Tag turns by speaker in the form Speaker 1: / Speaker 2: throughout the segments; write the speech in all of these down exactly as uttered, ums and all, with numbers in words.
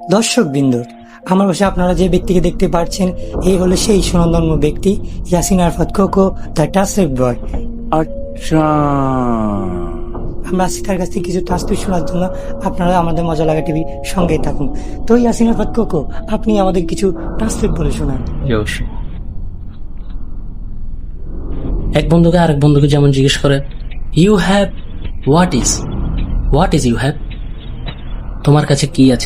Speaker 1: দর্শক বিন্দু, আমার পাশে আপনারা যে ব্যক্তিকে দেখতে পাচ্ছেন এই হলো সেই সুনন্দন্য ব্যক্তি ইয়াসিন আরাফাত কোকো, দ্য টাসেক বয়।
Speaker 2: আচ্ছা,
Speaker 1: আমরা আসছি তার কাছ থেকে কিছু তাসবিহ শোনার জন্য। আপনারা আমাদের মজা লাগা টিভি সঙ্গেই থাকুন। তো ইয়াসিন আরাফাত কোকো, আপনি আমাদের কিছু তাসবিহ বলে শোনান।
Speaker 2: অবশ্যই। এক বন্ধুকে আরেক বন্ধুকে যেমন জিজ্ঞেস করে, you have what is what is you have, তোমার কাছে কি আছে?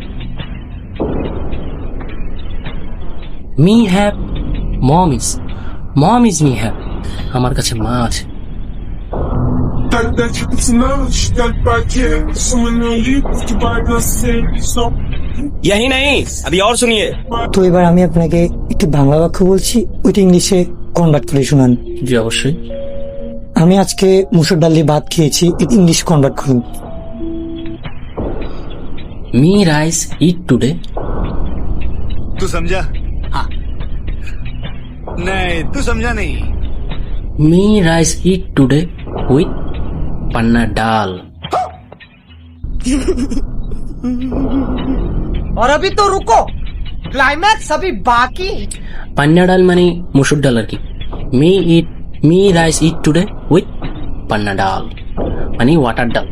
Speaker 2: Me have mom is mom is me have, আমার কাছে মা আছে।
Speaker 3: Тогда чипиться на ночь, как пакет. Сумму лип, погибает на сцене. Стоп.
Speaker 4: यही नहीं, अभी और सुनिए।
Speaker 1: তো এবার আমি আপনাকে একটি বাংলা বাক্য বলছি, ওইটা ইংলিশে কনভার্ট করে শোনান।
Speaker 2: জি অবশ্যই।
Speaker 1: আমি আজকে মুসুর ডাল দিয়ে ভাত খেয়েছি, এটা ইংলিশ কনভার্ট করুন।
Speaker 2: Me rice eat today.
Speaker 5: तू समझा? हाँ। नहीं, तू समझा नहीं।
Speaker 2: Me rice eat today with পান্না ডাল।
Speaker 6: और अभी तो रुको, क्लाइमैक्स अभी बाकी।
Speaker 2: পান্না ডাল মানে মুসুর ডাল আর কি। Me eat me rice eat today with পান্না ডাল মানে ওয়াটার ডাল।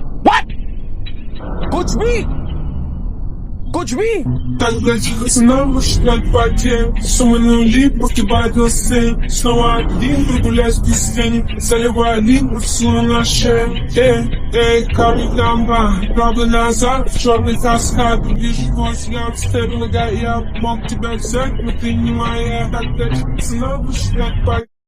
Speaker 4: कुछ भी कुछ भी
Speaker 3: Тогда чипиться на ночь, как пакет. Сумму лип, погибает на сцене. Снова один, прогуляюсь без тени. Заливаю лип, рисую на шее. Эй, эй, камень дамба. Правда назад, в черный каскад. Вижу твой взгляд, стебель нога. Я мог тебя взять, но ты не моя. Тогда чипиться на ночь, как пакет.